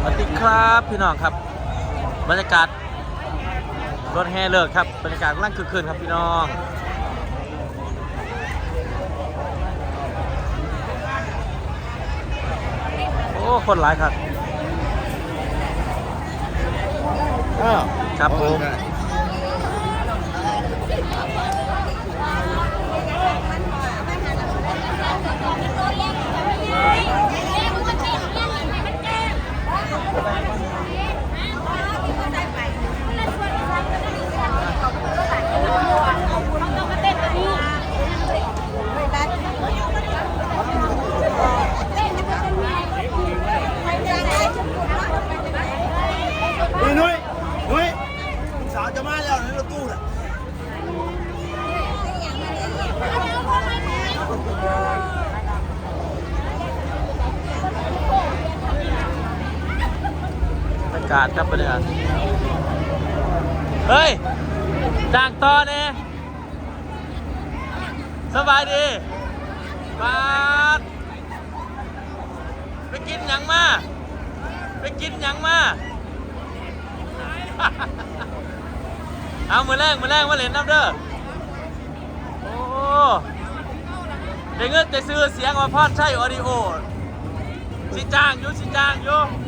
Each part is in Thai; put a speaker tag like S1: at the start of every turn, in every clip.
S1: สวัสดีครับพี่น้องครับบรรยากาศรถแห่เลิกครับบรรยากาศกำลังคึกคืนครับพี่น้องโอ้คนหลายครับครับผม
S2: นุ้ยสาวจะมาแล้วในรถตู้น่ะ
S1: บรรยากาศครับบรรยากาศเฮ้ยจางต่อเนี่ยสบายดีมาไปกินหยังมาไปกินหยังมาเอามือแรงมาเล่นน้ำเด้อโอ้ได้เงินแต่ซื้อเสียงมาพอดใช่ออดิโอสิจ้างอยู่สุดยอด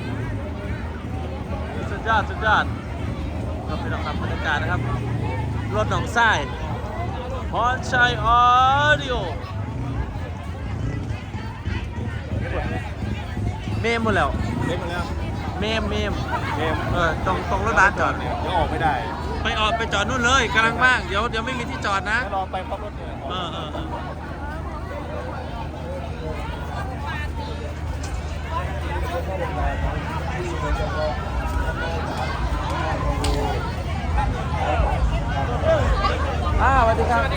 S1: ครับพี่น้องครับบรรยากาศนะครับรถหนองทรายพรชัยออดิโอเมมหมดแล้ว
S2: เล็กมาแล้ว
S1: เมม
S2: เกม
S1: ตรงรถบัสจอด
S2: เดี๋ยวออกไม่ได้
S1: ไปจอดนู่นเลยกำลังว่างเดี๋ยวไม่มีที่จอดนะ
S2: รอไปพร้อมรถเนี่ย
S1: สวัสดีครับ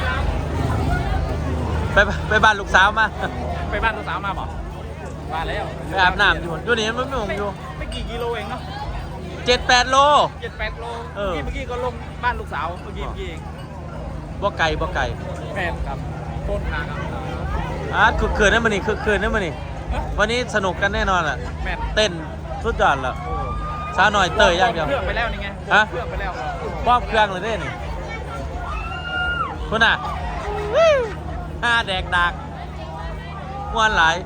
S1: ไปบ้านลูกสาวมา
S2: ไปบ้านลูกสาวมาบอกมาแล้ว
S1: ไปอาบน้ำอยู่นี่มันไม่หงอยู่
S2: ไม่กี่กิโลเองเนาะ
S1: 7-8 โล
S2: 7-8 โล
S1: เออ
S2: เมื่อกี้ก็ลงบ้านลูกสาวเมื่อกี้เอง
S1: บ่ไก่
S2: แฟนครับโคตรนานครับ
S1: คึกคืนนั่นมันนี่วันนี้สนุกกันแน่นอนอ่ะ
S2: แม่น
S1: เต้นสุดยอดละสาวหน่อยเตยอย่างเดียว
S2: เครื่องไปแล้วนี่ไง
S1: ฮะ
S2: เครื่องไปแล้ว
S1: ป้อมเครื่องเลยเด้นี่คุณน่ะแดกดักม้วนหลาย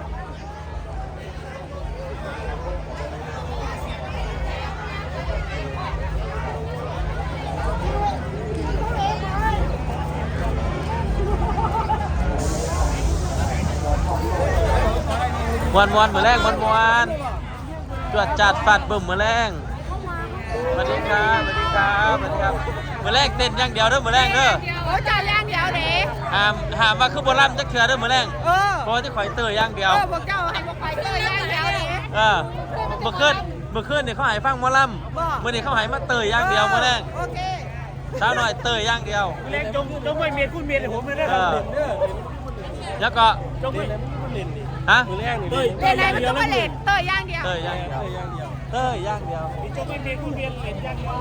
S1: วันมือแรงวันจวดจัดฟัดบึ้มมือแรงสวัสดีครับมือแรงเต้นอย่างเดียวเด้อมือแรงเด้อ
S3: โอ้จานย่างเดียวเด้
S1: หามว่าคือโบราณจะเถื่อเด้อมือแรงเพราะที่ข่อยเตยอย่างเดียว
S3: พวกเจ้าให้พวกไปเตยย่างเดียวเด้
S1: เมื่อคืนเนี่ยเขาหายฟังหมอลำเมื่อนี้เขาหายมาเตยอย่างเดียวมือแรง
S3: โอเค
S1: สาวหน่อยเตยอย่างเดียว
S2: เล็กจงไม่เมียนคุณเมียนผมไม่ได้ทำเด่นเด้อ
S1: แล้วก็
S2: จงไม่เล่นดิ
S1: ฮะ
S2: มือแรกนี่
S3: เล่นไหนมันต้องมาเล่นเตยย่างเดียว
S1: เตยอย่างเดียว
S2: จงไม่เมียนคุณเมียนเล่นอย่างเดียว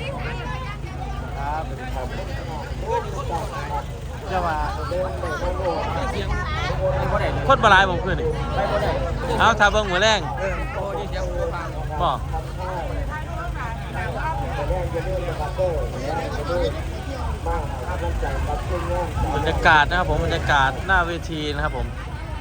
S1: จะมาคนบหลายผมคืนนี่เอาถ้าเบิ่งมือแรงบอกบรรยากาศนะครับผมบรรยากาศหน้าเวทีนะครับผม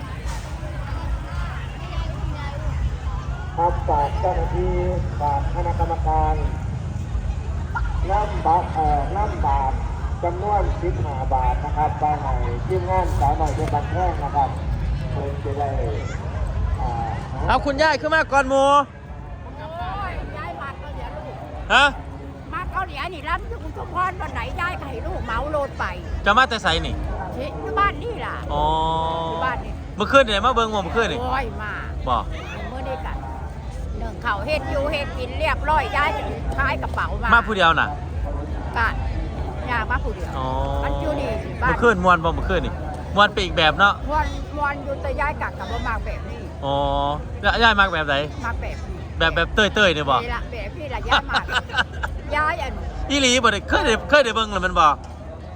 S4: ครับฝากเจ้าหน้าที่ฝากคณะกรรมการน้ำบาทจำนวน15 บาทนะครับไปให้ทีมงานสาวหน่อยเป็นบันแท่งนะครับเพื่อจะได้
S1: เอาคุณย่ายขึ้นมาก่อนหมู
S3: โอ้ยยายมาเกาหลีลูก
S1: ฮะ
S3: มาเกาหลีนี่รับทุกทุกพรวันไหนยายก็ให้ลูกเหมาโลดไป
S1: จะมาแต่ไสนี่
S3: ที่บ้านนี่ล่ะ
S1: อ๋อ
S3: ที่บ้านนี่
S1: เมื่อคืนเนี่ยมาเบิ่งเมื่อคืนนี่
S3: โอ้ยมา
S1: บอก
S3: เมื่อนี้กันหนึ่งเขาเฮ็ดอยู่เฮ็ดกินเรียบร้อยยายจะขายกระเป๋ามา
S1: มาผู้เดียวน่ะ
S3: กันยามาผู้เดียว
S1: อ๋อ
S3: มันอยู่นี่บ้าน
S1: เมื่อคืนมวนบ่เมื่อคืนนี่มวนไปอีกแบบเนาะ
S3: วันอยู่แต่ยายกักกับบ่มากแบบนี้
S1: อ๋อย่ายมากแบบไหน
S3: มากแบบนี้
S1: แบบเต้ยเนี่ยบอก
S3: นี่ละแบบพี่ละยายมากยายอัน
S1: อีหลีบ่ได้เคยได้เบิ่งแล้วมันบอก
S3: ม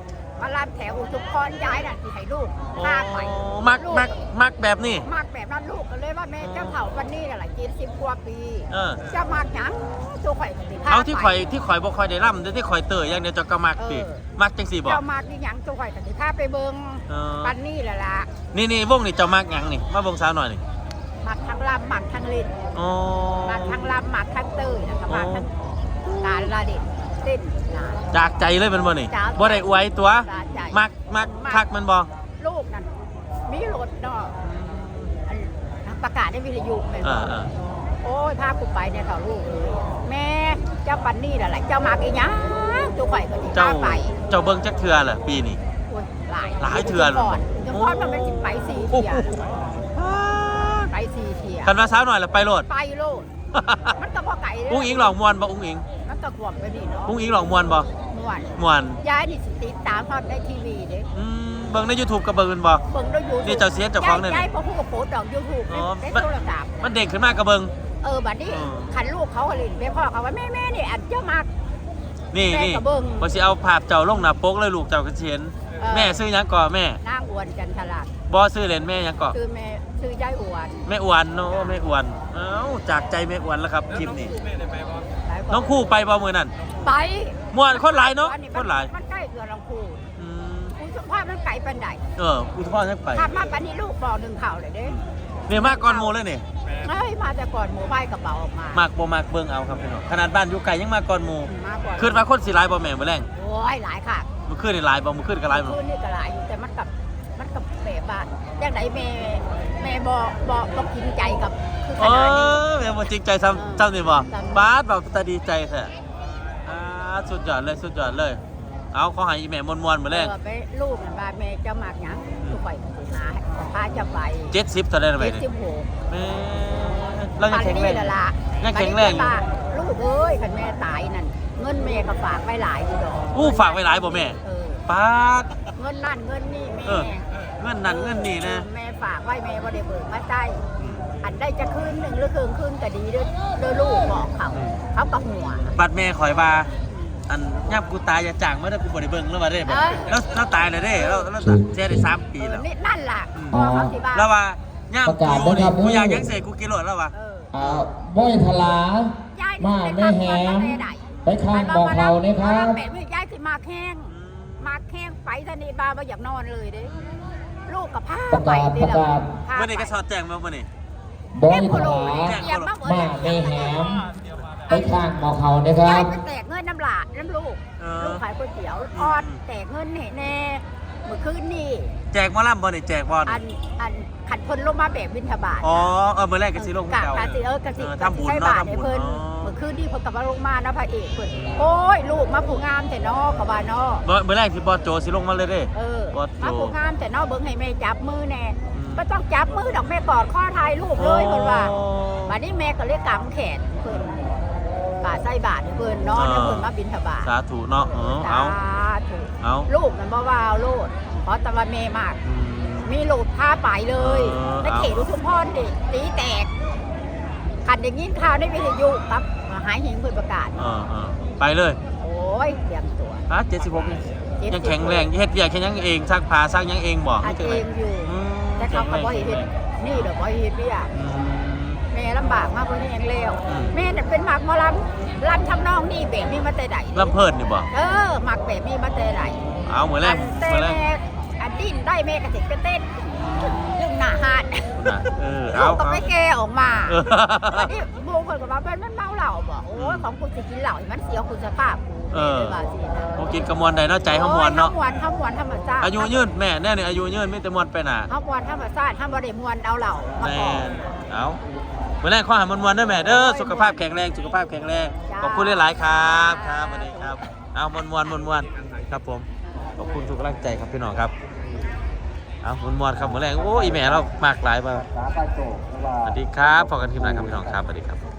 S3: มาลำแถวอุทุมพรย้ายน่ะที่ให้ลูกพาไป
S1: มักแบบนี้
S3: มักแบบนั้นลูกก็เลยว่าแม่เจ้าเฒ่าวันนี้น่ะหลาย70 กว่าปี จะมักหยังตัวข่อยก็สิพา
S1: เอาที่ข่อยบ่ค่อยได้ร่ำแต่ที่ข่อยเตยอย่างเดียวจะก็มักสิมักจังสี่บ่
S3: เจ้ามักนี่หยังตัวข่อยก็สิพาไปเบิ่งวันนี้แหละล่ะ
S1: นี่วงนี่เจ้ามักหยังนี่มาวงสาวหน่อยนี่
S3: มักทั้งลำมักทั้งเล่น
S1: อ๋อ
S3: มักทั้งลำมักทั้งเตยแล้วก็มักทั้งการละเด่นเต้นงาน
S1: จากใจเลยมันบ่นี่
S3: จากใจ
S1: บ่ได้อวยตัว
S3: จากใจ
S1: มักคักมันบ่
S3: ลูกนั่นมีรถเนาะอันประกาศในวิทยุแม่น
S1: เอ
S3: บ่
S1: อ
S3: โอ้ยพากูไปเนี่ยต่อลูกเลยแม่เจ้าปันนี่แหละเจ้ามักอีหยังตัวข่อยก็สิ
S1: เจ้า
S3: พาไป
S1: เบิ่งจักเทื่อเหรอปีนี้
S3: โอ้ยหลาย
S1: เทื่อเลย
S3: ก่อนจังพอดมันเป็นสิไป4 เที่ยไป4 เที่ย
S1: คันว่าสาวหน่อยแล้วไปโลด
S3: ไปโลดมันก็พอไก่เลย
S1: อุ้งอิงหลอกมวนบ่อุ้งอิง
S3: มันก็กวมไปนี่เนาะ
S1: อุ้งอิงหลอกมวนบ่
S3: ม่วน
S1: มวน
S3: ย้ายนี่สิติดตามฮอดในทีวีเด้
S1: เบิ่งใน YouTube ก็เบิ่งมันบ่
S3: เบิ่งด้วย YouTube
S1: นี่เจ้าเสียเจ้าของเนี่ย
S3: ย้ายพอพูดกับโพสต์ดอก YouTube
S1: อ๋อ
S3: ในโทรศัพท์
S1: มันเด็กขึ้นมาก็เบิ่ง
S3: บัดนี้
S1: อ๋อ
S3: คันลูกเขาก็เลยไปพ่อเขาว่าแม่นี่อันเจ้ามัก
S1: นี่
S3: แม่ก็เบิ่ง
S1: บ่สิเอาภาพเจ้าลงหน้าปกเลยลูกเจ้าก็สิเห็น แม่ซื้อหยังก่อแม่
S3: นางอวนจันทราด
S1: บ่ซื้อเล่นแม่หยังก่อ
S3: ชื่อยายอวน
S1: แม่อวนเนาะแม่อวนเอ้าจากใจแม่อวนแล้วครับคลิปนี้
S2: แม่ได้ไปบ่
S3: หลายกว่า
S1: น้องคู่ไปบ่มื้อนั้น
S3: ไป
S1: ม่วนคนหลายเนาะ
S3: อั
S1: คนหลาย
S3: มันใกล้เกือลำพู
S1: อืม
S3: คุณสมภาพมันไก่ปันใด
S1: อุทธรณ์ยังไป
S3: ถ้ามาปันนี้ลูกบอกหนึ่งเข่าเลยเด้
S1: เนี่ยมากก่อนโมเลยนี่
S3: เฮ้ยมาแต่ก่อนหมูใบกระเป๋าออกมาม
S1: ากบ่มากเบิ่งเอาครับพี่น้องขนาดบ้านอยู่ไกลยังมาก่อนโม
S3: มาก่อน
S1: ขึ้นมาคนสิหลายบ่แม่นบ่แรง
S3: โอ้ยหลายค่ะ
S1: มื้อคืนนี่หลายบ่มื้อคืนก็หลายบ่
S3: คืนนี่ก็หลายอยู่แต่มันกับแบบบ้านอย่างไหนแม่บ่กินใจกับคือข
S1: เอ
S3: นาดนี้
S1: อแม่บ่จริงใจซ้ำซ้ำนี่บ่บาดแบบตาดีใจแท้สุดยอดเลยสุดยอดเลย เอาขอให้อีแม่ม่วนๆมื้อแรง
S3: ไปลูกนั่นว่าแม่เจ้ามักหยังลูกไปหาพาเจ้าไป
S1: 70เท่าใดล่ะแม่นี่
S3: 76
S1: แม่เรายังแข็งแรง
S3: ปันนี่ล่ะ
S1: ยังแข็งแรงอยู่
S3: ลูกเอ้ยคันแม่ตายนั่นเงินแม่ก็ฝากไว้หลายอยู่ดอก
S1: อู้ฝากไว้หลายบ่แม่ปาด
S3: เงินนั่นเงินนี่แม่
S1: เงินนั่นเงินนี่นะ
S3: แม่ฝากไว้แม่บ่ได้เบิกมาใช้อันได้จะคืนหนึ่งหรือคืนก็ดีเด้อลูกบอกเขาก็หัว
S1: บัดแม่ข่อยว่าอันย่ำกูตายอย่าจ้างมาเด้อกูบ่ได้เบิ่งแล้วว่าได้บ่แล้วตายแล้วเด้แล้วเสียได้3 ปีแล้ว
S3: นี่นั่นล่ะ
S5: อ๋อ
S3: เขาสิบ้า
S1: แล้วว่าย่ำ
S5: ประกาศ
S1: กู
S5: นะครับ
S1: กูอยากยังเสกกูกินโลดแล้วว่า
S5: บ้อยทลา
S3: ยาย
S5: มาแม่แหมไปข้างบอกเขาเนี่ยครับ
S3: แม่ยายสิมาแข้งไปทะนีบาบ่อยากนอนเลยเด้ลูกกับผ้า
S5: ประ
S3: ไป
S5: กาศ
S3: นี่
S5: ประ
S3: แหละ
S5: กาศ
S3: พา
S1: เมื่อ
S3: ไป
S1: นี้ก็สอดแจ้งมาเมื่อนี้
S5: บ้อยทลา
S3: เตรียมมาหมด
S5: มา
S3: เลย
S5: แม่แหมไปข้างบอกเขาเนี่ยค
S3: ยา
S5: รั
S3: ย
S5: บ
S3: ไปแตกเงินน้ำหลาน้ำลูกลูกขายก๋วยเตี๋ยวออดแตกเงินแน่เมื่อคืนนี่
S1: แจกหมอลำบ่นี่แจกบอล
S3: อันขัดพลลงมาแบบบิณฑบาต
S1: อ๋อเมื่อแรกก็สิลง
S3: กะ
S1: เก่าก
S3: ะสิกะสิ
S1: ทำบุญ
S3: ใช้
S1: เนาะ
S3: บาท
S1: ทำ
S3: ให้
S1: บุญ
S3: เพิ่น
S1: อ๋อ
S3: เมื่อคืนนี่เพิ่นกลับมาลงมานะพระเอกเพิ่นโอ้ยลูกมาผู้งามแต่นอกกับว่าเนาะ
S1: เมื่อแรกที่บอสโจสิลงมาเลยเด้ บอสโจ
S3: มาผู้งามแต่นอกเบิ่งให้แม่จับมือแน่
S1: อืม
S3: บ่ต้องจับมือดอกแม่กอดข้อทายลูกเลยเพิ่นว่าบัดนี้แม่ก็เลยกำแขนเพิ่นกะใส่บาทให้เพิ่นเนาะแล้วเพิ่นมาบิณฑบาต
S1: สาธุเนาะเอา
S3: ถูก
S1: เอา
S3: ลูกมันบ่ว่าเอาโลดเพราะแตะวันแม่มาก มีโหลดผ้าไปเลย ในเขตอุทุมพรดิตีแตกขันอย่างนี้ข่าวในวิทยุครับหายหิงเพื่อประกาศ
S1: ไปเลย
S3: โอ้ยเตรียมตัว
S1: 76นี่ยังแข็งแรงเฮ็ดเวียกแค่ยังเองซักผ้าซักยังเองบ่
S3: อาจเองอยู่ แต่เขาก็บ่เห็นนี่เดี๋ยวบ่เห็นพี่อ่ะแม่ลำบากมากเพราะนี่ยังเลวแม่เนี่ยเป็นหมักหมอลำทำนองนี่แบบนี้มาแต่ไหน
S1: ลำเพิ่นนี่บ่
S3: หมักแบบนี้มาแต่ไหน
S1: เอาเหมือนแรก
S3: แต่
S1: เหมือนแรก
S3: แม่อันดิ้นได้แม่กระติกกระเต้นยึงหน้าหาด
S1: เอา
S3: ลูกก็ไปแก้ออกมา
S1: เออ
S3: อันนี้โมคนกับว่ามันเมาเหล้าบอกโอ้ยของคุณจะกินเหล้ามันเสียคุณสภาพกู
S1: เออ
S3: เลยว่าสินะ
S1: โมกินกระมวลใดเนาะใจเขามวลเนาะ
S3: ข้ามวนธรรมชาติ
S1: อายุยืนแม่แน่นี่อายุยืนไม่แต่มวลไปหนา
S3: ข้ามวนธรรมชาติข้ามบริมวนเอาเหล้ามา
S1: แม่
S3: ก่อน
S1: เอาเหมือนแรกข้อหามันๆเด้อแม่เด้อสุขภาพแข็งแรงสุขภาพแข็งแรง
S3: จ้า
S1: ขอบคุณหลายๆครับครับสวัสดีครับเอามวนๆครับผมขอบคุณทุกกำลังใจครับพี่น้องครับเอามวนๆครับเหมือนแรกโอ้ยแม่เรามากหลายมา
S4: สาปโจก
S1: สวัสดีครับพบกันทีมงานครับพี่น้องครับสวัสดีครับ